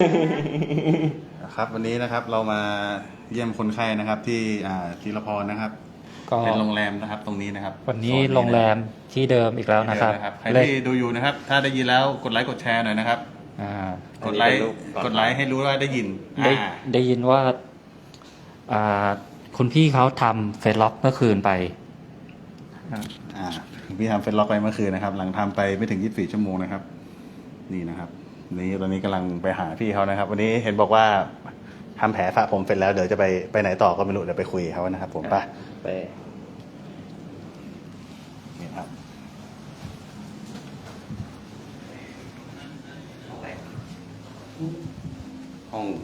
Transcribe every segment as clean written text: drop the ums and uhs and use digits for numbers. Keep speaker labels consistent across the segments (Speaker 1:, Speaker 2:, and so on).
Speaker 1: ครับวันนี้นะครับเรามาเยี่ยมคนไข้นะครับที่ธีรพรนะครับ
Speaker 2: ก็
Speaker 1: เป็นโรงแรมนะครับตรงนี้นะครับ
Speaker 2: วันนี้โรงแรมที่เดิมอีกแล้วนะครับ
Speaker 1: ใครที่ดูอยู่นะครับถ้าได้ยินแล้วกดไลค์กดแชร์หน่อยนะครับกดไลค์ให้รู้ว่าได้ยิน
Speaker 2: ได้ยินว่าคุณพี่เขาทำเฟซล็อกเมื่อคืนไป
Speaker 1: พี่ทำเฟซล็อกไปเมื่อคืนนะครับหลังทำไปไม่ถึง24 ชั่วโมงนะครับนี่นะครับนี่ตอนนี้กำลังไปหาพี่เขานะครับวันนี้เห็นบอกว่าทำแผลสระผมเสร็จแล้วเดี๋ยวจะไปไหนต่อก็ไม่รู้เดี๋ยวไปคุยเขานะครับผมไปนี่ครับห้อง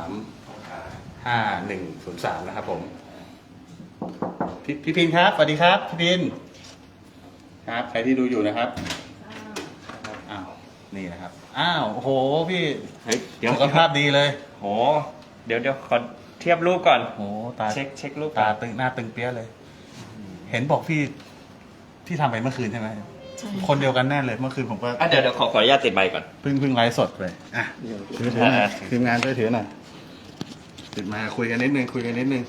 Speaker 1: 35103นะครับผมพี่พินครับสวัสดีครับพี่พินครับใครที่ดูอยู่นะครับอ้าวนี่นะครับอ้าวโอ้โหพี่สุขภาพดีเลย
Speaker 3: โหเดี๋ยวขอเทียบรูปก่อน
Speaker 1: โอ้ตา
Speaker 3: เช็ครูป
Speaker 1: ตาตึงหน้าตึงเปี้ยเลยเห็นบอกพี่ทำไปเมื่อคืนใช่ไหมคนเดียวกันแน่เลยเมื่อคืนผมก็
Speaker 3: เดี๋ยวขออนุญาตติดไมค์ก่อน
Speaker 1: เพิ่งไลฟ์สดไปถือหน่อยทีมงานช่วยถือหน่อยติดมาคุยกันนิดนึง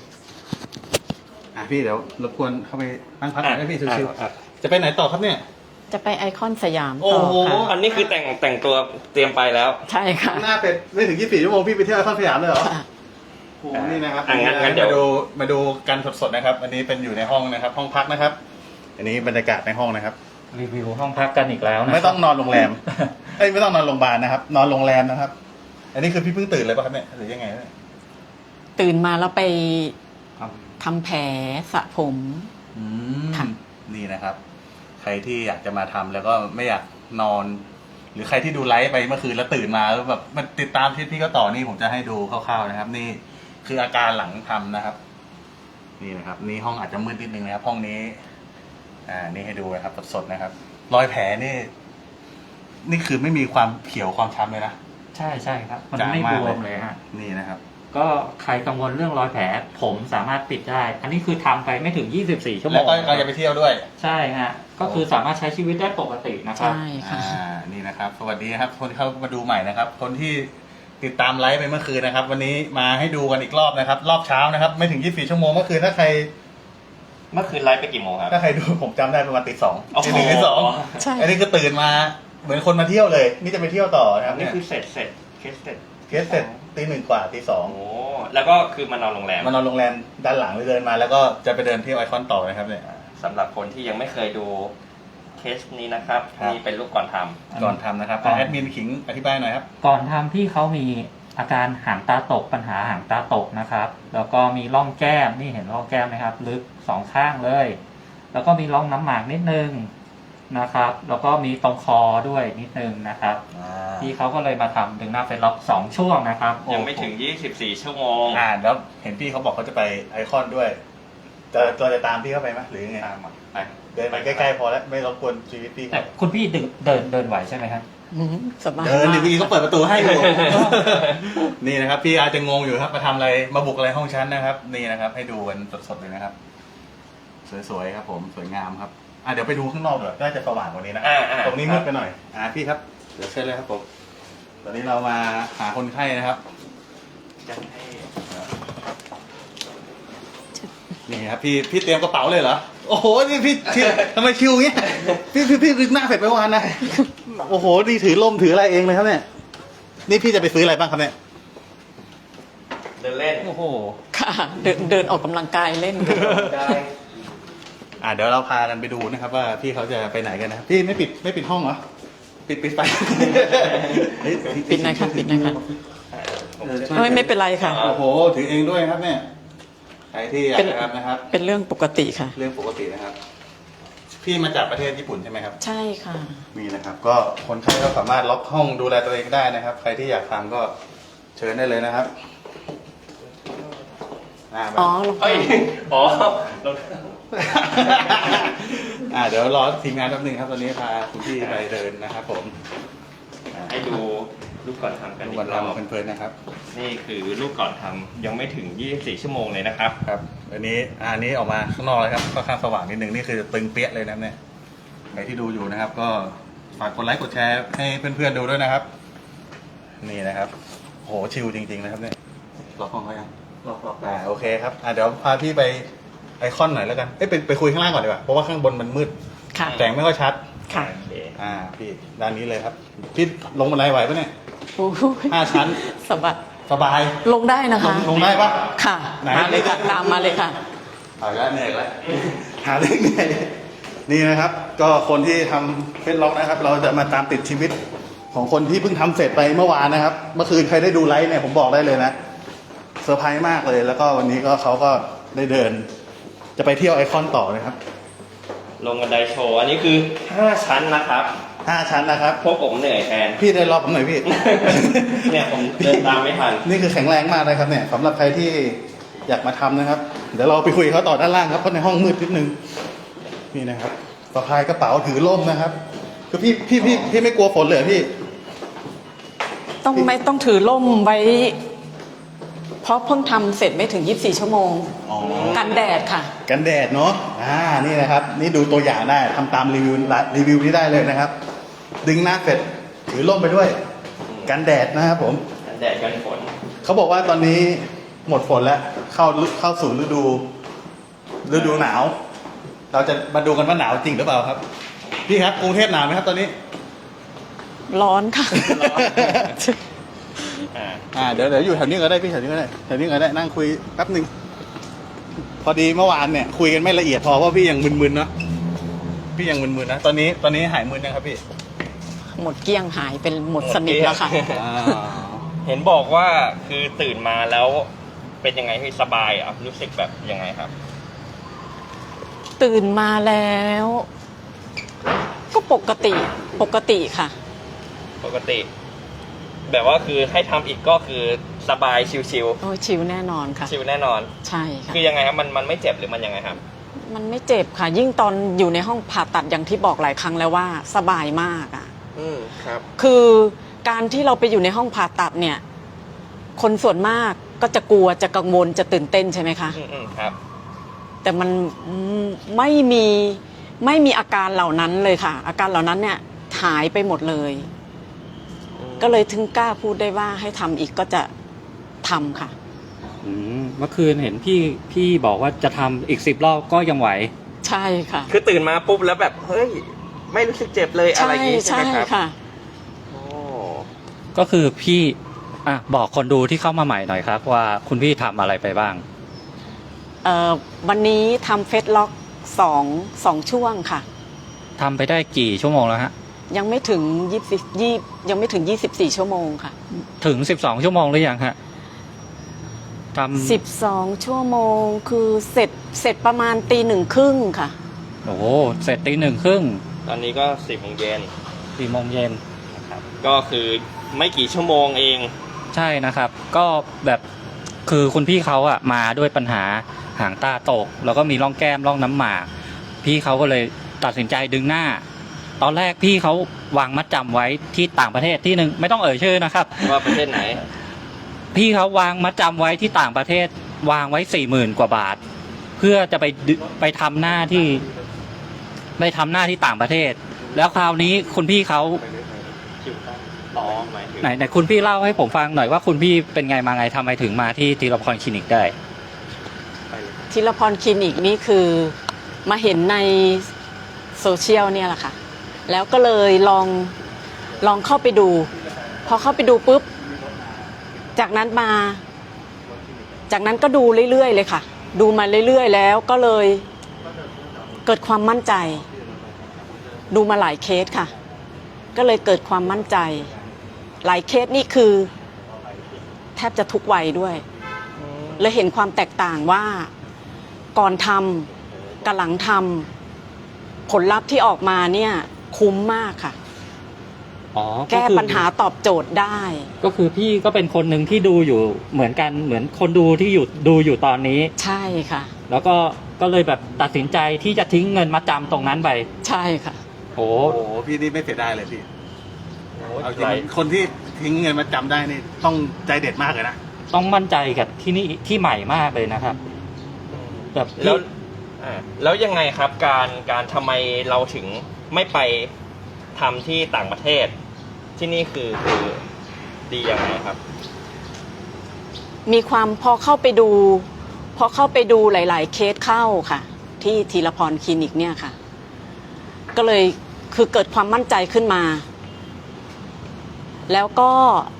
Speaker 1: พี่เดี๋ยวรบกวนเข้าไปนั่งพักหน่อยได้พี่ชิวๆจะไปไหนต่อครับเนี่ย
Speaker 4: จะไปไอคอนสยาม
Speaker 3: ต่
Speaker 4: อค่ะ
Speaker 3: อันนี้คือแต่งตัวเตรียมไปแล้ว
Speaker 4: ใช่ค่ะ
Speaker 1: หน้าเป็ดไม่ถึง24 ชั่วโมงพี่ไปเที่ยวไอคอนสยามเลยเหรอโอ้นี่นะครับ
Speaker 3: งั้นเดี๋ยว
Speaker 1: มาดูกันสดๆนะครับอันนี้เป็นอยู่ในห้องนะครับห้องพักนะครับอันนี้บรรยากาศในห้องนะครับ
Speaker 2: รีวิวห้องพักกันอีกแล้วนะ
Speaker 1: ไม่ต้องนอนโรงแรมไม่ต้องนอนโรงพยาบาลนะครับนอนโรงแรมนะครับอันนี้คือพี่เพิ่งตื่นเลยป่ะครับเนี่ยหรือยังไง
Speaker 4: ตื่นมาแล้วไปทำแผลสระผม
Speaker 1: ค่ะนี่นะครับใครที่อยากจะมาทำแล้วก็ไม่อยากนอนหรือใครที่ดูไลฟ์ไปเมื่อคืนแล้วตื่นมาแล้วแบบมันติดตามที่พี่ก็ต่อนี่ผมจะให้ดูคร่าวๆนะครับนี่คืออาการหลังทำนะครับนี่นะครับนี่ห้องอาจจะมืดนิดนึงนะครับห้องนี้นี่ให้ดูนะครับสดๆนะครับรอยแผลนี่คือไม่มีความเขียวความช้ำเลยนะ
Speaker 2: ใช่ครับมันไม่บวมเลยฮะ
Speaker 1: นี่นะครับ
Speaker 2: ก็ใครกังวลเรื่องรอยแผลผมสามารถปิดได้อันนี้คือทำไปไม่ถึง24 ชั่วโมง
Speaker 1: แล้วก็จะไปเที่ยวด้วย
Speaker 2: ใช่ฮะก็คือสามารถใช้ชีวิตได้ปกตินะครับ
Speaker 4: ใช่ค่ะ
Speaker 1: นี่นะครับสวัสดีครับคนเข้ามาดูใหม่นะครับคนที่ติดตามไลฟ์ไปเมื่อคืนนะครับวันนี้มาให้ดูกันอีกรอบนะครับรอบเช้านะครับไม่ถึง24 ชั่วโมงเมื่อคืนถ้าใคร
Speaker 3: เมื่อคืนไลฟ์ไปกี่โมงครับ
Speaker 1: ถ้าใครดูผมจำได้ประมาณตี 2ตี 1ตี
Speaker 4: 2ใช่
Speaker 1: อันนี้ก็ตื่นมาเหมือนคนมาเที่ยวเลยนี่จะไปเที่ยวต่อนะครับ
Speaker 3: นี่คือเสร็จเคสเ
Speaker 1: สร็จตี 1 กว่าตี 2
Speaker 3: โอ้แล้วก็คือมานอนโรงแรม
Speaker 1: ด้านหลังเลยเดินมาแล้วก็จะไปเดินเที่ยวไอคอนต่อนะครับเนี่ย
Speaker 3: สำหรับคนที่ยังไม่เคยดูเคสนี้นะครับนี่เป็นรูปก่อนท
Speaker 1: ำนะครับแอดมินขิงอธิบายหน่อยครับ
Speaker 2: ก่อนทำพี่เขามีอาการหางตาตกปัญหาหางตาตกนะครับแล้วก็มีร่องแก้มนี่เห็นร่องแก้มไหมครับลึก2 ข้างเลยแล้วก็มีร่องน้ำหมากนิดนึงนะครับแล้วก็มีตรงคอด้วยนิดนึงนะครับพี่เขาก็เลยมาทำดึงหน้าเฟซล็อก2 ช่วงนะครับ
Speaker 3: ยังไม่ถึง24 ชั่วโมง
Speaker 1: แล้วเห็นพี่เขาบอกเขาจะไปไอคอนด้วยจะตามพี่เข้าไปไหมหรือยังไงเดินไปใกล้ๆพอแล้วไม่รบกวนชีวิตพี่
Speaker 2: แต่คุณพี่เดินไหวใช่ไหไหมครับ
Speaker 4: สบาย
Speaker 1: เดินหรือพี่เขาเปิดประตูให้อยู่นี่นะครับพี่อาจจะงงอยู่ครับมาทำอะไรมาบุกอะไรห้องชั้นนะครับนี่นะครับให้ดูกันสดๆเลยนะครับสวยๆครับผมสวยงามครับเดี๋ยวไปดูข้างนอกเดี๋ยวน่าจะสว่างกว่านี้นะตรงนี้มืดไปหน่อยพี่ครับเดี๋ยวเชิญเลยครับผมตอนนี้เรามาหาคนไข้นะครับนี่ครับพี่เตรียมกระเป๋าเลยเหรอโอ้โหนี่พี่ทำไมชิวเงี้ยพี่ดึกหน้าเสร็จไปวันนะโอ้โหนี่ถือล่มถืออะไรเองเลยครับเนี่ยนี่พี่จะไปซื้ออะไรบ้างครับเนี่ย
Speaker 3: เดินเล่น
Speaker 1: โอ้โห
Speaker 4: ค่ะเดินออกกำลังกายเล่น
Speaker 1: เดี๋ยวเราพากันไปดูนะครับว่าพี่เขาจะไปไหนกันนะพี่ไม่ปิดห้องเหรอปิดไป
Speaker 4: ปิดนะคะไม่เป็นไรค่ะ
Speaker 1: โอ้โหถือเองด้วยครับเนี่ยใครที่อยากทำนะครับ
Speaker 4: เป็นเรื่องปกติค่ะ
Speaker 1: เรื่องปกตินะครับพี่มาจากประเทศญี่ปุ่นใช่ไหมครับ
Speaker 4: ใช่ค่ะ
Speaker 1: มีนะครับก็คนไข้ก็สามารถล็อกห้องดูแลตัวเองได้นะครับใครที่อยากทำก็เชิญได้เลยนะครับเดี๋ยวรอทีมงานแป๊บนึงครับตอนนี้พาคุณพี่ไปเดินนะครับผม
Speaker 3: ให้ดูรูปก่อนทำกัน
Speaker 1: อีกรอบเพลินๆนะครับ
Speaker 3: นี่คือรูปก่อนทำยังไม่ถึง24 ชั่วโมงเลยนะครับ
Speaker 1: ครับอันนี้ออกมาข้างนอกเลยครับค่อนข้างสว่างนิดนึงนี่คือตึงเปี้ยเลยนะเนี่ยใครที่ดูอยู่นะครับก็ฝากกดไลค์กดแชร์ให้เพื่อนๆดูด้วยนะครับนี่นะครับโหชิลจริงๆนะครับเนี่ยล็อกห้องเขายังล็อกโอเคครับเดี๋ยวพาพี่ไปไอคอนหน่อยแล้วกันไปคุยข้างล่างก่อนดีกว่าเพราะว่าข้างบนมันมืด
Speaker 4: ค่ะ
Speaker 1: แสงไม่ค่อยชัด
Speaker 4: ค่ะ
Speaker 3: โอเค
Speaker 1: พี่ด้านนี้เลยครับพี่ลงบันไดไหวปะเนี่ย
Speaker 4: โอ้โห
Speaker 1: 5 ชั้น
Speaker 4: สบาย
Speaker 1: สบาย
Speaker 4: ลงได้นะคะ
Speaker 1: ลงได้ปะ
Speaker 4: ค่ะ
Speaker 1: ไหน
Speaker 4: มาเลยค่ะ ตามมาเลยค่ะ
Speaker 1: เอาละเหนื่อยแล้วหาเรื่องเหนื่อยนี่นะครับ ก็คนที่ทำเฟซล็อกนะครับ เราจะมาตามติดชีวิตของคนที่เพิ่งทำเสร็จไปเมื่อวานนะครับ เมื่อคืนใครได้ดูไลฟ์เนี่ยผมบอกได้เลยนะเซอร์ไพรส์มากเลย แล้วก็วันนี้ก็เขาก็ได้เดิน จะไปเที่ยวไอคอนต่อนะครับ
Speaker 3: ลงบันไดโชว์อันนี้คือ 5 ชั้นนะครับ
Speaker 1: 5 ชั้นนะครับ
Speaker 3: พวกผมเหนื่อยแทน
Speaker 1: พี่ได้รอบผมหน่อยพี่
Speaker 3: เนี่ยผมเดินตามไม่ทัน
Speaker 1: นี่คือแข็งแรงมากเลยครับเนี่ยสำหรับใครที่อยากมาทำนะครับ เดี๋ยวเราไปคุยกับเขาต่อด้านล่างครับเพราะในห้องมืดนิดนึงนี่นะครับสะพายกระเป๋าถือร่มนะครับคือพี่ไม่กลัวฝนเลยเหรอพี่
Speaker 4: ไม่ต้องถือร่มไว้ เพราะเพิ่งทำเสร็จไม่ถึง 24 ชั่วโมง
Speaker 1: อ๋อ
Speaker 4: กันแดดค่ะ
Speaker 1: กันแดดเนาะนี่นะครับ นี่ดูตัวอย่างได้ทำตามรีวิวนี้ได้เลยนะครับ ดึงหน้าเสร็จถือร่มไปด้วย กันแดดนะครับผม
Speaker 3: กันแดดกันฝน
Speaker 1: เขาบอกว่าตอนนี้หมดฝนแล้วเข้าสู่ฤดูหนาว เราจะมาดูกันว่าหนาวจริงหรือเปล่าครับ พี่ครับกรุงเทพหนาวไหมครับตอนนี้
Speaker 4: ร้อนค่ะ
Speaker 1: เดี๋ยวอยู่แถวนี้ก็ได้พี่แถวนี้ก็ได้นั่งคุยแป๊บหนึ่งพอดีเมื่อวานเนี่ยคุยกันไม่ละเอียดพอเพราะพี่ยังมึนๆเนาะพี่ยังมึนๆนะตอนนี้หายมึนยังครับพี่
Speaker 4: หมดเกลี้ยงหายเป็นหมดสนิทแล้วค่ะ
Speaker 3: เห็นบอกว่าคือตื่นมาแล้วเป็นยังไงพี่สบายอ่ะรู้สึกแบบยังไงครับ
Speaker 4: ตื่นมาแล้ว ก็ปกติค่ะ
Speaker 3: ปกติ แบบว่าคือให้ทำอีกก็คือสบายชิว
Speaker 4: โอ้ยชิวแน่นอนค่ะ
Speaker 3: ๆชิวแน่นอน
Speaker 4: ใช่ค่ะ
Speaker 3: คือยังไงครับมันไม่เจ็บหรือมันยังไงครับ
Speaker 4: มันไม่เจ็บค่ะ ยิ่งตอนอยู่ในห้องผ่าตัดอย่างที่บอกหลายครั้งแล้วว่าสบายมากอ่ะ
Speaker 3: ครับ
Speaker 4: คือการที่เราไปอยู่ในห้องผ่าตัดเนี่ย คนส่วนมากก็จะกลัวจะกังวลจะตื่นเต้นใช่ไหมคะ
Speaker 3: ครับ
Speaker 4: แต่มันไม่มีอาการเหล่านั้นเลยค่ะ อาการเหล่านั้นเนี่ยหายไปหมดเลย ก็เลยถึงกล้าพูดได้ว่าให้ทำอีกก็จะทำค่ะ
Speaker 2: เมื่อคืนเห็นพี่บอกว่าจะทำอีก10 รอบก็ยังไหว
Speaker 4: ใช่ค่ะ
Speaker 3: คือตื่นมาปุ๊บแล้วแบบเฮ้ยไม่รู้สึกเจ็บเลยอะไรอย่างงี้ใช่ไหมครับ
Speaker 4: ค่ะ
Speaker 3: โอ้
Speaker 2: ก็คือพี่บอกคนดูที่เข้ามาใหม่หน่อยครับ ว่าคุณพี่ทำอะไรไปบ้าง
Speaker 4: วันนี้ทำเฟสล็อกสองช่วงค่ะ
Speaker 2: ทำไปได้กี่ชั่วโมงแล้วฮะ
Speaker 4: ยังไม่ถึง24 ชั่วโมงค่ะ
Speaker 2: ถึง12 ชั่วโมงหรือยังฮะทำ
Speaker 4: 12 ชั่วโมงคือเสร็จประมาณ1:30ค่ะ
Speaker 2: โอ้โหเสร็จ1:30
Speaker 3: ตอนนี้ก็10 โมงเย็น
Speaker 2: 4 โมงเย็น
Speaker 3: นะครับก็คือไม่กี่ชั่วโมงเอง
Speaker 2: ใช่นะครับ ก็แบบคือคุณพี่เขาอะมาด้วยปัญหาหางตาตก แล้วก็มีร่องแก้มร่องน้ำหมาก พี่เขาก็เลยตัดสินใจดึงหน้า ตอนแรกพี่เขาวางมัดจำไว้ที่ต่างประเทศที่หนึ่งไม่ต้องเอ่ยชื่อนะครับ
Speaker 3: ว่าประเทศไหน
Speaker 2: พี่เขาวางมัดจำไว้ที่ต่างประเทศวางไว้ 40,000 กว่าบาท เพื่อจะไปทำหน้าที่ต่างประเทศ แล้วคราวนี้คุณพี่เขา
Speaker 3: อ๋อหมายถึง
Speaker 2: ไหนคุณพี่เล่าให้ผมฟังหน่อยว่าคุณพี่เป็นไงมาไงทำไมถึงมาที่ธีรพรคลินิกได้
Speaker 3: ไปเลย
Speaker 4: ธีรพรคลินิกนี่คือมาเห็นในโซเชียลเนี่ยแหละค่ะ แล้วก็เลยลองเข้าไปดู พอเข้าไปดูปุ๊บ จากนั้นก็ดูเรื่อยๆเลยค่ะ ดูมาเรื่อยๆแล้วก็เลยเกิดความมั่นใจ ดูมาหลายเคสค่ะ ก็เลยเกิดความมั่นใจ หลายเคสนี่คือแทบจะทุกวัยด้วย เลยเห็นความแตกต่างว่าก่อนทำกับหลังทำผลลัพธ์ที่ออกมาเนี่ยคุ้มมากค่ะ
Speaker 2: อ๋อ
Speaker 4: แก้ปัญหาตอบโจทย์ได้
Speaker 2: ก็คือพี่ก็เป็นคนหนึ่งที่ดูอยู่เหมือนกันเหมือนคนดูที่ดูอยู่ตอนนี้
Speaker 4: ใช่ค่ะ
Speaker 2: แล้วก็เลยแบบตัดสินใจที่จะทิ้งเงินมาจำตรงนั้นไป
Speaker 4: ใช่ค่ะ
Speaker 2: โอ้
Speaker 1: โอ้โหพี่นี่ไม่เสียดายเลยพี่
Speaker 3: โอ้
Speaker 1: เอาจริ
Speaker 3: หลาย
Speaker 1: งคนที่ทิ้งเงินมาจำได้นี่ต้องใจเด็ดมากเลยนะ
Speaker 2: ต้องมั่นใจกับที่นี่ที่ใหม่มากเลยนะครับแบบ
Speaker 3: แล้วแล้วยังไงครับการทำไมเราถึงไม่ไปทำที่ต่างประเทศ ที่นี่คือดียังไงครับ
Speaker 4: มีความพอเข้าไปดูหลาย ๆ เคสเข้าค่ะ ที่ธีรพรคลินิกเนี่ยค่ะ ก็เลยคือเกิดความมั่นใจขึ้นมา แล้วก็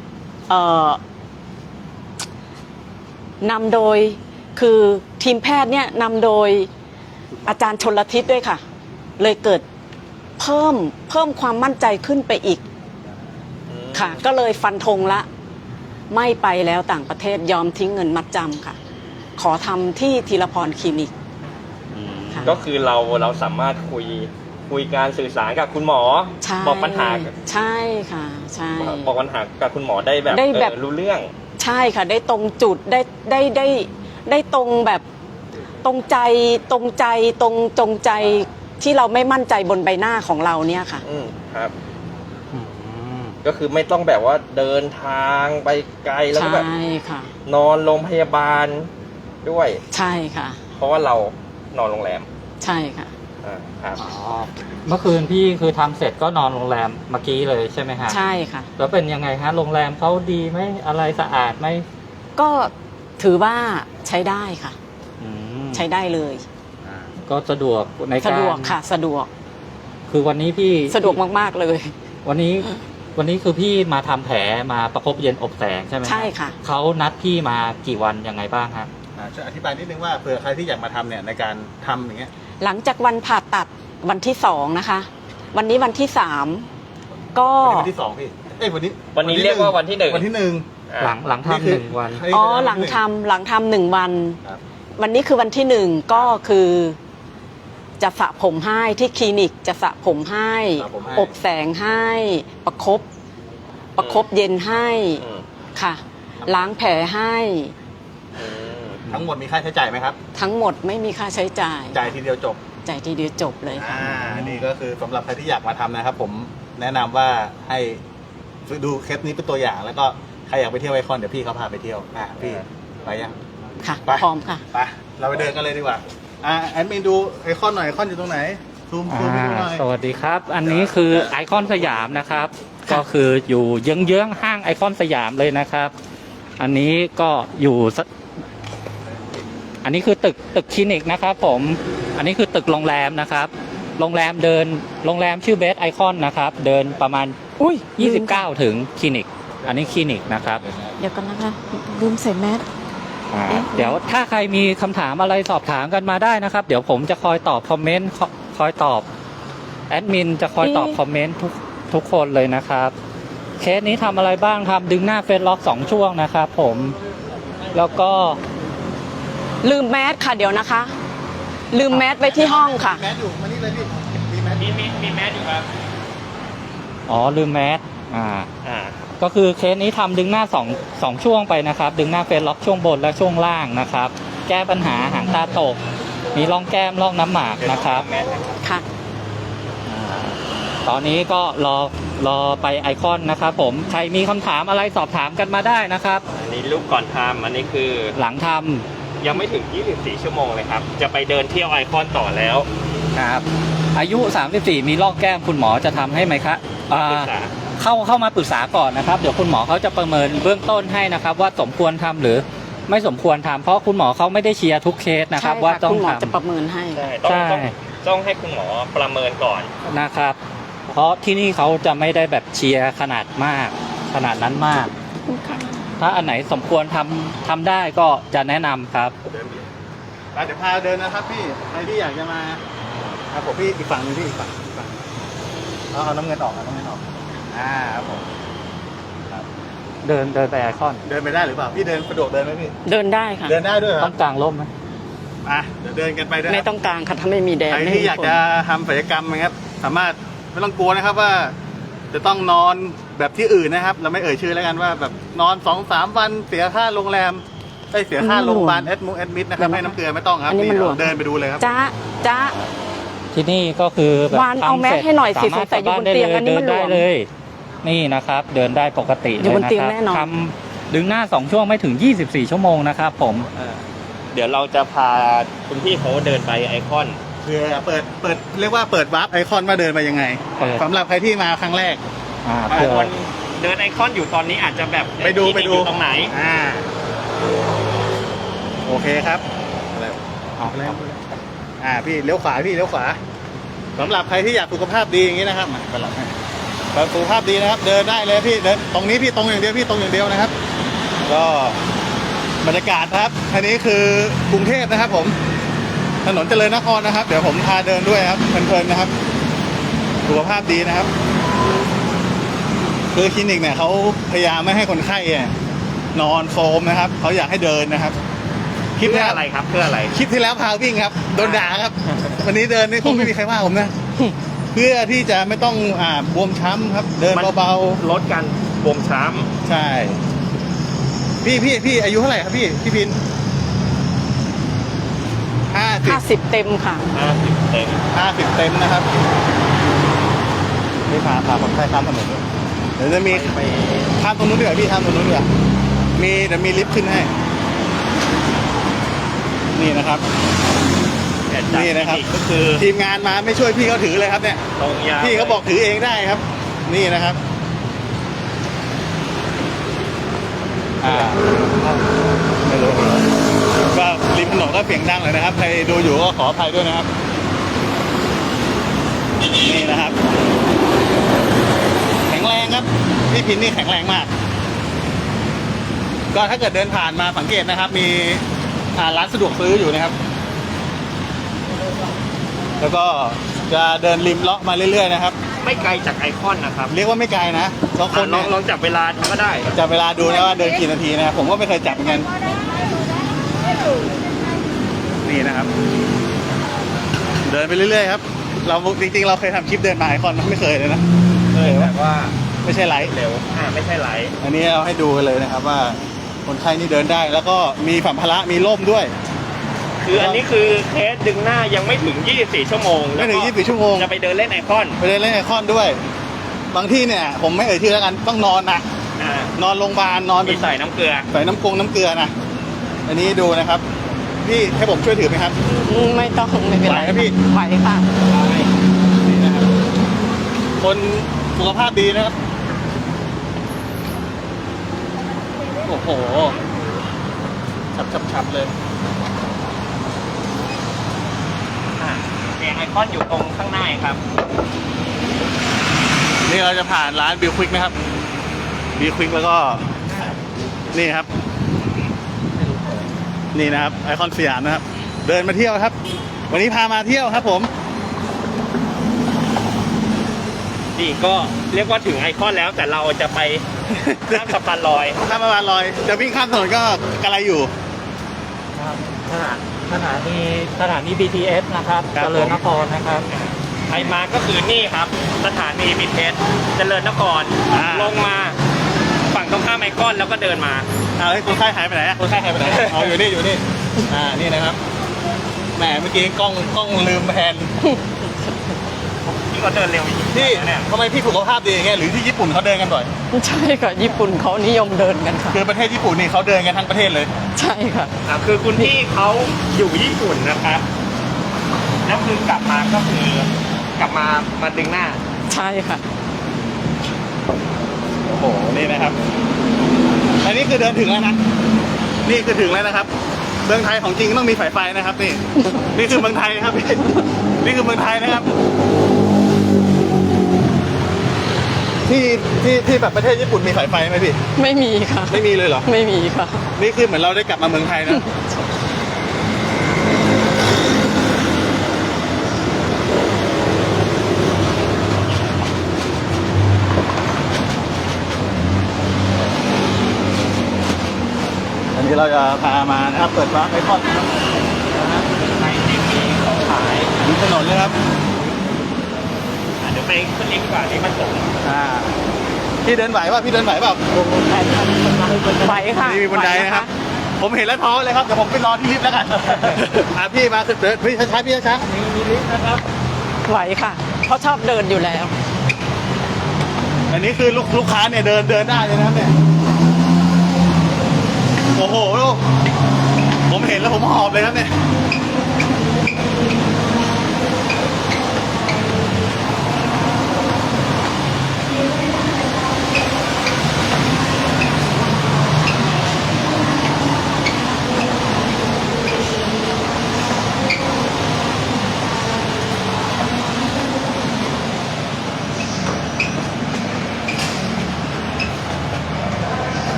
Speaker 4: นำโดยคือทีมแพทย์เนี่ยนำโดยอาจารย์ชลทิศด้วยค่ะ เลยเกิดเพิ่มความมั่นใจขึ้นไปอีกค่ะ ก็เลยฟันธงละไม่ไปแล้วต่างประเทศยอมทิ้งเงินมัดจำค่ะ ขอทำที่ธีรพรคลินิกค่ะ
Speaker 3: ก็คือเราสามารถคุยการสื่อสารกับคุณหมอ
Speaker 4: ใช่
Speaker 3: บอกปัญหา
Speaker 4: ใช่ค่ะใช่
Speaker 3: บอกปัญหากับคุณหมอได้แบบ
Speaker 4: ได้แบบ
Speaker 3: รู้เรื่อง
Speaker 4: ใช่ค่ะ ได้ตรงจุดได้ตรงแบบตรงใจตรงใจที่เราไม่มั่นใจบนใบหน้าของเราเนี่ยค่ะ
Speaker 3: ครับ
Speaker 2: อืม
Speaker 3: ก็คือไม่ต้องแบบว่าเดินทางไปไกลแล้วก็แบบ
Speaker 4: ใช่ค่ะ
Speaker 3: นอนโรงพยาบาลด้วย
Speaker 4: ใช่ค่ะ
Speaker 3: เพราะว่าเรานอนโรงแรม
Speaker 4: ใช่ค่ะ
Speaker 3: ครับ
Speaker 2: อ๋อเมื่อคืนพี่คือทำเสร็จก็นอนโรงแรมเมื่อกี้เลยใช่ไหมฮะ
Speaker 4: ใช่ค่ะ
Speaker 2: แล้วเป็นยังไงฮะโรงแรมเขาดีไหมอะไรสะอาดไหม
Speaker 4: ก็ถือว่าใช้ได้ค่ะ
Speaker 2: อืม
Speaker 4: ใช้ได้เลย
Speaker 2: ก็สะดวกใน
Speaker 4: สะ
Speaker 2: การ
Speaker 4: ดวกค่ะสะดวก
Speaker 2: คือวันนี้พี่
Speaker 4: สะดวกมากๆเลย
Speaker 2: วันนี้คือพี่มาทำแผลมาประคบเย็นอบแสงใช่ไหมฮ
Speaker 4: ใช่ค่ะ
Speaker 2: เขานัดพี่มากี่วันยังไงบ้างฮะ
Speaker 1: ช่วยอธิบายนิดนึงว่าเผื่อใครที่อยากมาทำเนี่ยในการทำอย่างเงี้ย
Speaker 4: หลังจากวันผ่าตัดวันที่2นะคะ วันนี้วันที่3ก็
Speaker 1: วันที่สองพี่เอ้ยวันนี้
Speaker 3: เรียกว่าวันที่หนึ่ง
Speaker 1: วันที่หนึ่ง
Speaker 2: หลังทำหนึ่งวัน
Speaker 4: อ๋อหลังทำ1 วัน
Speaker 1: ครับ
Speaker 4: วันนี้คือวันที่1ก็คือจะสระผมให้ที่คลินิกจะสระผมให้
Speaker 1: สระผมให้
Speaker 4: อบแสงให้ประคบเย็นให้
Speaker 3: อืม
Speaker 4: ค่ะ ล้างแผลให้
Speaker 1: ทั้งหมดมีค่าใช้จ่ายไหมครับ
Speaker 4: ทั้งหมดไม่มีค่าใช้จ่าย
Speaker 1: จ่ายทีเดียวจบ
Speaker 4: จ่ายทีเดียวจบเลยค่ะ
Speaker 1: นี่ก็คือสำหรับใครที่อยากมาทำนะครับ ผมแนะนำว่าให้ดูเคสนี้เป็นตัวอย่างแล้วก็ใครอยากไปเที่ยวไอคอนเดี๋ยวพี่เขาพาไปเที่ยวพี่ไปยัง
Speaker 4: ค่ะ
Speaker 1: ไป
Speaker 4: พร้อมค่ะ
Speaker 1: ไปเราไปเดินกันเลยดีกว่าแอดมินดูไอคอนหน่อยไอคอนอยู่ตรงไหนซูมไปดูหน่อย
Speaker 2: สวัสดีครับ อันนี้คือไอคอนสยามนะครับ ก็คืออยู่เยื้องๆห้างไอคอนสยามเลยนะครับ อันนี้ก็อยู่อันนี้คือตึกคลินิกนะครับผมอันนี้คือตึกโรงแรมนะครับโรงแรมชื่อเบสไอคอนนะครับเดินประมาณ
Speaker 4: อุ้ย
Speaker 2: 29 ถึงคลินิก อันนี้คลินิกนะครับ
Speaker 4: เดี๋ยวกันนะคะลืมใส่แมส
Speaker 2: เดี๋ยวถ้าใครมีคำถามอะไรสอบถามกันมาได้นะครับ เดี๋ยวผมจะคอยตอบคอมเมนต์คอยตอบแอดมินจะคอยตอบคอมเมนต์ทุกคนเลยนะครับเคสนี้ทำอะไรบ้างครับดึงหน้าเฟซล็อก2 ช่วงนะครับผมแล้วก็
Speaker 4: ลืมแมสค่ะเดี๋ยวนะคะ ลืมแมสไว้ที่ห้องค่ะ
Speaker 1: แมสอยู่มานี่เลยพี่มีแมส
Speaker 3: มีแมสอยู่ครับ
Speaker 2: อ๋อลืมแมส
Speaker 3: อ่า
Speaker 2: ก็คือเคสนี้ทำดึงหน้า2 ช่วงไปนะครับดึงหน้าเฟซล็อกช่วงบนและช่วงล่างนะครับ แก้ปัญหาหางตาตก มีร่องแก้มร่องน้ำหมากนะครับ
Speaker 4: ค่ะ
Speaker 2: ตอนนี้ก็รอไปไอคอนนะครับผมใครมีคำถามอะไรสอบถามกันมาได้นะครับ
Speaker 3: อันนี้รูปก่อนทำอันนี้คือ
Speaker 2: หลังท
Speaker 3: ยังไม่ถึง 24 ชั่วโมงเลยครับ จะไปเดินเที่ยวไอคอนต่อแล้ว
Speaker 2: ำครับอายุ 34 มีร่องแก้มคุณหมอจะทำให้ไหมครับ
Speaker 3: ปรึกษา
Speaker 2: เข้ามาปรึกษาก่อนนะครับเดี๋ยวคุณหมอเขาจะประเมินเบื้องต้นให้นะครับ ว่าสมควรทำหรือไม่สมควรทำเพราะคุณหมอเขาไม่ได้เชียร์ทุกเคสนะครับ
Speaker 4: ใช่
Speaker 2: ว่า
Speaker 4: ค่ะ
Speaker 2: ต้อ
Speaker 4: คุ
Speaker 2: ง
Speaker 4: ณหมอ
Speaker 2: ท
Speaker 4: จะประเมินให้
Speaker 3: ใช่
Speaker 2: ใช่
Speaker 3: ต้องให้คุณหมอประเมินก่อน
Speaker 2: ำนะครับ เพราะที่นี่เขาจะไม่ได้แบบเชียร์ขนาดนั้นมาก ถ้าอันไหนสมควรทำได้ก็จะแนะนำครับ
Speaker 1: ไปเดี๋ยวพาเดินนะครับพี่ใครที่อยากจะมาครับผมพี่อีกฝั่งหนึงพี่อีกฝั่งเอาน้ำเงินออกครับผม
Speaker 2: เดินไปไอคอน
Speaker 1: เดินไปได้หรือเปล่าพี่เดินสะดวกเดินไหมพี่
Speaker 4: เดินได้ค่ะ
Speaker 1: เดินได้ด้วยเหรอ
Speaker 2: ต้องกางร่มไหม
Speaker 1: เดี๋ยวเดินกันไปด้วย
Speaker 4: ไม่ต้องกลางค่ะถ้าไม่มีแดด
Speaker 1: ใคร
Speaker 4: ไม่
Speaker 1: ที่
Speaker 4: มี
Speaker 1: อยาก
Speaker 4: ฝน
Speaker 1: จะทำศัลยกรรมนะครับสามารถไม่ต้องกลัวนะครับว่า จะต้องนอนแบบที่อื่นนะครับ เราไม่เอ่ยชื่อแล้วกันว่าแบบนอน 2-3 วันเสียค่าโรงแรมเสียค่าโรงพยาบาลแอดมิดนะครับให้น้ำเกลือไม่ต้องครับ
Speaker 4: อันนี้มันหลวม
Speaker 1: เดินไปดูเลยครับ
Speaker 4: จ้า
Speaker 2: ที่นี่ก็คือแบบ
Speaker 4: วานเอาแมสให้หน่อยสิ
Speaker 2: สามารถ
Speaker 4: สงสัยอยู่บนเตียงอันนี้มันหลวม
Speaker 2: เดิได้เลย นี่นะครับ เดินได้ปกติ
Speaker 4: อยู่บนเตียง
Speaker 2: ล
Speaker 4: แน่นอน
Speaker 2: ทำดึงหน้า2 ช่วงไม่ถึง24 ชั่วโมงนะครับผม
Speaker 3: เดี๋ยวเราจะพาคุณพี่เขาเดินไปไอคอน
Speaker 1: เพื่อเปิดเรียกว่าเปิดวาร์ปไอคอนว่าเดินมายังไง
Speaker 2: เปิด
Speaker 1: สำหรับใครที่มาครั้งแรก
Speaker 2: เพื่อ
Speaker 3: คนเดินไอคอนอยู่ตอนนี้อาจจะแบบ
Speaker 1: ไปดู
Speaker 3: คลินิกอยู่ตรงไหน
Speaker 1: อ่าโอเคครับพี่เลี้ยวขวาพี่เลี้ยวขวาสำหรับใครที่อยากสุขภาพดีอย่างนี้นะครับมาเป็นหลักให้สุขภาพดีนะครับ เดินได้เลยพี่เดินตรงนี้พี่ตรงอย่างเดียวพี่ตรงอย่างเดียวนะครับ ก็บรรยากาศครับอันนี้คือกรุงเทพนะครับผมถนนเจริญนครนะครับเดี๋ยวผมพาเดินด้วยครับเพลินๆนะครับสุขภาพดีนะครับคือคลินิกเนี่ยเขาพยายามไม่ให้คนไข้นอนโฟมนะครับเขาอยากให้เดินนะครับ
Speaker 3: เพื่ออะไรครับเพื่ออะไร
Speaker 1: คลิปที่แล้วพาวิ่งครับโดนด่าครับ วันนี้เดินนี่คงไม่มีใครว่าผมนะ เพื่อที่จะไม่ต้องบวมช้ำครับ เดินเบา
Speaker 3: ลดการบวมช้
Speaker 1: ๆใช่พี่อายุเท่าไหร่ครับพี่พิน50
Speaker 4: 50 เต็มค่ะ
Speaker 3: 50 เต็ม
Speaker 1: 50เต็มนะครับนี่พาคนไข้ข้ามถนนด้วยเดี๋ยวจะมี
Speaker 3: ไป
Speaker 1: ข้ามตรงนู้นดีกว่าพี่ข้ามตรงนู้นดีกว่าเดี๋ยวมีลิฟต์ขึ้นให้นี่นะครับ นี่นะครับ
Speaker 3: ก็คือ
Speaker 1: ทีมงานมาไม่ช่วยพี่เขาถือเลยครับเนี่ย
Speaker 3: ตรงยาว
Speaker 1: พี่เขาบอกถือเองได้ครับ นี่นะครับไม่รู้ก็ริมถนนก็เสียงดังเลยนะครับใครดูอยู่ก็ขออภัยด้วยนะครับนี่นะครับแข็งแรงครับพี่พินนี่แข็งแรงมากก็ถ้าเกิดเดินผ่านมาสังเกตนะครับ มีร้านสะดวกซื้ออยู่นะครับแล้วก็จะเดินริมเลาะมาเรื่อยๆนะครับ
Speaker 3: ไม่ไกลจากไอคอนนะครับ
Speaker 1: เรียกว่าไม่ไกลนะบางคน
Speaker 3: ลองจับเวลาดูก็ได้
Speaker 1: จับเวลาดูนะว่าเดินกี่นาทีนะครับผมก็ไม่เคยจับเหมือนกันนี่นะครับ เดินไปเรื่อยๆครับ เราจริงๆเราเคยทำคลิปเดินมาไอคอนไม่เคยเลยนะเคย
Speaker 3: แต่ว่า
Speaker 1: ไม่ใช่ไลฟ์
Speaker 3: เร็วไม่ใช่ไหล
Speaker 1: อันนี้เราให้ดูกันเลยนะครับว่าคนไข้นี่เดินได้ แล้วก็มีสัมภาระมีร่มด้วย
Speaker 3: คืออันนี้คือเคสดึงหน้ายังไม่ถึง 24 ชั่วโมง
Speaker 1: ไม่ถึง24ชั่วโมง
Speaker 3: จะไปเดินเล่นไอคอน
Speaker 1: ไปเดินเล่นไอคอนด้วย บางที่เนี่ยผมไม่เอ่ยชื่อแล้วกันต้องนอนนะ นอนโรงพยาบาลนอน
Speaker 3: มีใส่น้ำเกลือ
Speaker 1: ใส่น้ำเกลือนะอันนี้ดูนะครับพี่ให้ผมช่วยถือไหมครับ
Speaker 4: ไม่ต้องไม่เป็นไร
Speaker 1: ไหวไหมพี่
Speaker 4: ไหวค่ะ
Speaker 1: นี่นะครับคนสุขภาพดีนะครับโอ้โหฉับเลย
Speaker 3: แดงไอคอนอยู่ตรงข้างหน้าครับ
Speaker 1: นี่เราจะผ่านร้านบิลควิกนะครับบิลควิกแล้วก็นี่ครับนี่นะครับไอคอนสยามนะครับ เดินมาเที่ยวครับ วันนี้พามาเที่ยวครับผม
Speaker 3: นี่ก็เรียกว่าถึงไอคอนแล้วแต่เราจะไปข้ามสะพานลอย
Speaker 1: ข้ามสะพานลอยจะวิ่งข้ามถนนก็กระไรอยู่
Speaker 2: สถานี BTS นะครับ
Speaker 1: ครับ
Speaker 2: เจริญนครนะครับ
Speaker 3: ใครมาก็คือนี่ครับ สถานีบิเทสเจริญนคร ลงมาฝั่งตรงข้ามไอคอนแล้วก็เดินมา
Speaker 1: เอาให้คนไข้หายไปไหนคนไข้หายไปไหนเอาอยู่นี่นี่นะครับแหมเมื่อกี้กล้องลืมแผน
Speaker 3: ที่เขาเดินเร็ว
Speaker 1: พี่
Speaker 3: เนี่ย
Speaker 1: ทำไมพี่สุขภาพดีอย่างเงี้ยหรือที่ญี่ปุ่นเขาเดินกันบ่อย
Speaker 4: ใช่ค่ะ ญี่ปุ่นเขานิยมเดินกันค่ะ
Speaker 1: คือประเทศญี่ปุ่นนี่เขาเดินกันทั้งประเทศเลย
Speaker 4: ใช่ค่ะ
Speaker 3: คือคุณพี่เขาอยู่ญี่ปุ่นนะครับแล้วคือกลับมาก็คือกลับมาดึงหน้า
Speaker 4: ใช่ค่ะ
Speaker 1: โอ้โหนี่นะครับอันนี้คือเดินถึงแล้วนะนี่คือถึงแล้วนะครับเมืองไทยของจริงต้องมีสายไฟนะครับนี่ นี่คือเมืองไทยนะครับพี่นี่คือเมืองไทยนะครับที่แบบประเทศญี่ปุ่นมีสายไฟไหมพี่
Speaker 4: ไม่มีค่ะ
Speaker 1: ไม่มีเลยเหรอ
Speaker 4: ไม่มีค่ะ
Speaker 1: นี่คือเหมือนเราได้กลับมาเมืองไทยนะ อันนี้เราจะพามานะครับเปิดร้านไอคอนนะครับ
Speaker 3: ในที่มีของขาย
Speaker 1: ริมถนนเลยครับ
Speaker 3: เดี๋ยวไปขึ้นลิฟต์ก่อนนี่มันสูง
Speaker 1: พี่เดินไหวป่ะพี่เดินไหวเปล่า
Speaker 4: ไหวค่ะ
Speaker 1: นี่มีบันไดนะครับ ผมเห็นแล้วท้อเลยครับเดี๋ยวผมไปรอที่ลิฟต์แล้วกัน พี่มาเดินพี่ช้าๆพี่ช้า
Speaker 3: มีลิฟต์นะครับ
Speaker 4: ไหวค่ะ เพราะชอบเดินอยู่แล้ว
Speaker 1: ๆอันนี้คือลูกค้าเนี่ยเดินได้เลยนะครับเนี่ยโอ้โหลูกผมเห็นแล้วผมหอบเลยครับเนี่ย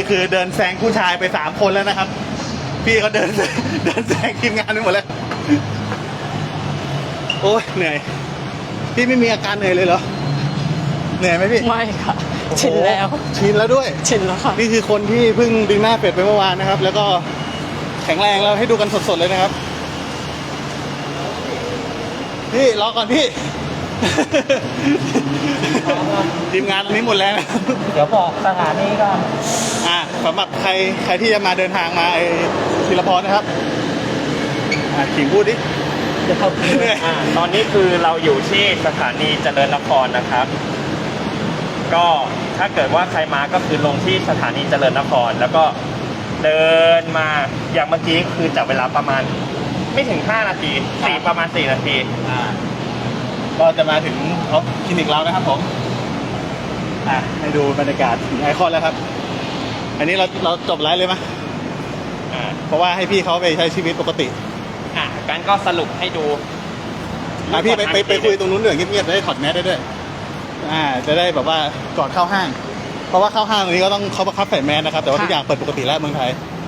Speaker 1: คือเดินแซงผู้ชายไป3 คนแล้วนะครับ พี่เขาเดินแซงทีมงานไปหมดแล้ว โอ้ยเหนื่อย พี่ไม่มีอาการเหนื่อยเลยเหรอ เหนื่อยไหมพี่
Speaker 4: ไม่ค่ะ ชินแล้ว
Speaker 1: ชินแล้วด้วย
Speaker 4: ชินแล้วค่ะ
Speaker 1: นี่คือคนที่เพิ่งดึงหน้าเป็ดไปเมื่อวานนะครับ แล้วก็แข็งแรงแล้วให้ดูกันสดๆเลยนะครับ พี่รอก่อนพี่ ทีมงานตรงนี้หมดแล้วนะ
Speaker 2: เดี๋ยวบอกสถานีก่อน
Speaker 1: สำหรับใครที่จะมาเดินทางมาธีรพรนะครับขิงพูดดิ
Speaker 2: เดี๋ยวเขา
Speaker 3: ตอนนี้คือเราอยู่ที่สถานีเจริญนครนะครับ ก็ถ้าเกิดว่าใครมาก็คือลงที่สถานีเจริญนคร แล้วก็เดินมาอย่างเมื่อกี้คือจับเวลาประมาณไม่ถึง5 นาทีประมาณ4 นาที
Speaker 1: ก็จะมาถึงคลินิกเรานะครับผมให้ดูบรรยากาศถึงไอคอนแล้วครับ อันนี้เราจบไลฟ์เลยไหมเพราะว่าให้พี่เขาไปใช้ชีวิตปกติ
Speaker 3: กันก็สรุปให้ดู
Speaker 1: พี่ไปคุยตรงนู้นเรื่องเงียบๆจะได้ถอดแมสได้ด้วยจะได้แบบว่าก่อนเข้าห้าง เพราะว่าเข้าห้างตรงนี้ก็ต้องเขาบังคับใส่แมสนะครับแต่ว่าทุกอย่างเปิดปกติแล้วเมืองไทย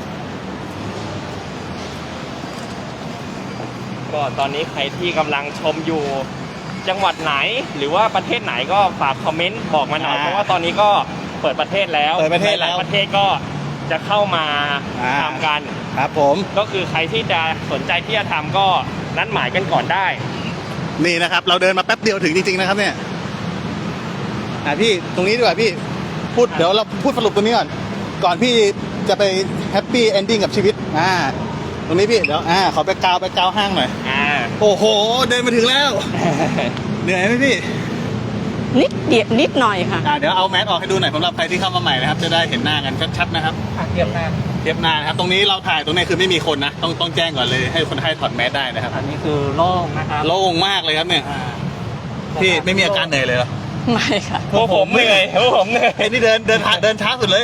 Speaker 3: ก็ตอนนี้ใครที่กำลังชมอยู่จังหวัดไหน หรือว่าประเทศไหนก็ฝากคอมเมนต์บอกมาหน่อยเพราะว่าตอนนี้ก็เปิดประเทศแล้ว
Speaker 1: เปิดประเทศแล้ว
Speaker 3: หลายประเทศก็จะเข้ามาทำกัน
Speaker 1: ครับผม
Speaker 3: ก็คือใครที่จะสนใจที่จะทำก็นัดหมายกันก่อนได้
Speaker 1: นี่นะครับ เราเดินมาแป๊บเดียวถึงจริงๆนะครับเนี่ยพี่ตรงนี้ดีกว่าพี่เดี๋ยวเราพูดสรุปตรงนี้ก่อนพี่จะไปแฮปปี้เอนดิ้งกับชีวิตตรงนี้พี่เดี๋ยวขอไปกาวห้างหน่อยโอ้โหเดินมาถึงแล้ว เหนื่อยไหมพี่
Speaker 4: นิดหน่อยค่ะ
Speaker 1: เดี๋ยวเอาแมสออกให้ดูหน่อยสำหรับใครที่เข้ามาใหม่นะครับจะได้เห็นหน้ากันชัดๆนะครับ
Speaker 2: เทียบหน้า
Speaker 1: เทียบหน้านะครับตรงนี้เราถ่ายตรงนี้คือไม่มีคนนะต้องแจ้งก่อนเลยให้คนไข้ถอดแมสได้นะครับ
Speaker 2: อันนี้คือโล่งนะครับ
Speaker 1: โล่งมากเลยครับเนี่ยพี่ไม่มีอาการเหนื่อยเลยเหรอ
Speaker 4: ไม่ค่ะ
Speaker 3: พวกผมเหนื่อย
Speaker 1: ไอ้นี่เดินช้าสุดเลย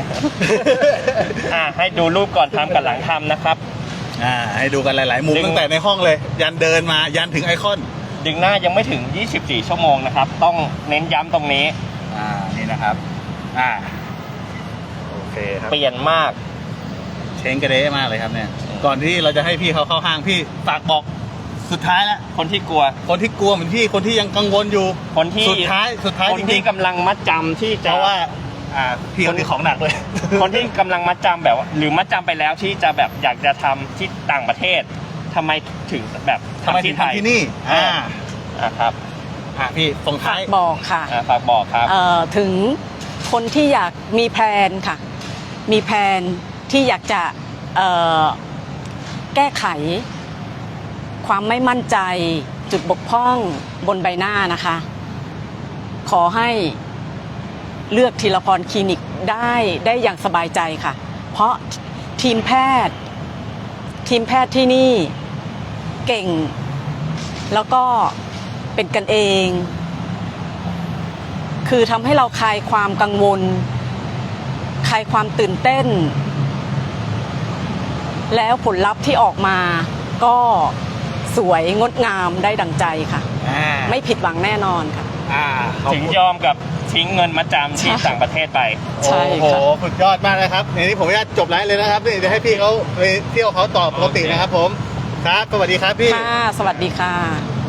Speaker 3: ให้ดูรูปก่อนทำกับหลังทำนะครับ
Speaker 1: ให้ดูกันหลายๆมุมตั้งแต่ในห้องเลย ยันเดินมายันถึงไอคอน
Speaker 3: ดึงหน้ายังไม่ถึง24 ชั่วโมงนะครับต้องเน้นย้ำตรงนี้
Speaker 1: นี่นะครับโอเคครับ
Speaker 3: เปลี่ยนมาก
Speaker 1: เช้งกระเด้มากเลยครับเนี่ยก่อนที่เราจะให้พี่เขาเข้าห้างพี่ฝากบอกสุดท้ายแล้ว
Speaker 3: คนที่กลัว
Speaker 1: คนที่กลัวเหมือนพี่คนที่ยังกังวลอยู่
Speaker 3: คนที่
Speaker 1: สุดท้าย
Speaker 3: คน
Speaker 1: จ
Speaker 3: ที่
Speaker 1: ริงๆ
Speaker 3: กำลังมัดจำที่
Speaker 1: เพ
Speaker 3: จะ
Speaker 1: ราะว่าพี่คนนี้ของหนักเลย
Speaker 3: คนที่กำลังมัดจำแบบว่าหรือมัดจำไปแล้วที่จะแบบอยากจะทำที่ต่างประเทศทำไมถึงแบบ
Speaker 1: ทำไมถึง
Speaker 3: ไทย
Speaker 1: ทำที่นี่
Speaker 3: ครับ
Speaker 1: พี่ส่งท้าย
Speaker 4: บอกค่ะ
Speaker 3: ฝากบอกครับ
Speaker 4: ถึงคนที่อยากมีแพลนค่ะ มีแพลนที่อยากจะแก้ไข ความไม่มั่นใจจุดบกพร่องบนใบหน้านะคะ ขอให้เลือกธีรพรคลินิกได้อย่างสบายใจค่ะ เพราะทีมแพทย์ที่นี่เก่ง แล้วก็เป็นกันเอง คือทำให้เราคลายความกังวลคลายความตื่นเต้น แล้วผลลัพธ์ที่ออกมาก็สวยงดงามได้ดังใจค่ะ ไม่ผิดหวังแน่นอนค่ะ
Speaker 3: ถึงยอมกับทิ้งเงินมัดจำที่ต่างประเทศไป
Speaker 4: ใช่
Speaker 1: โอ้โห
Speaker 4: ค่ะ
Speaker 1: สุดยอดมากนะครับในนี้ผมจะจบไลฟ์เลยนะครับนี่จะให้พี่เขาไปเที่ยวเขาต่อปกตินะครับผมครับสวัสดีครับพี่
Speaker 4: ค่ะ สวัสดีค่ะ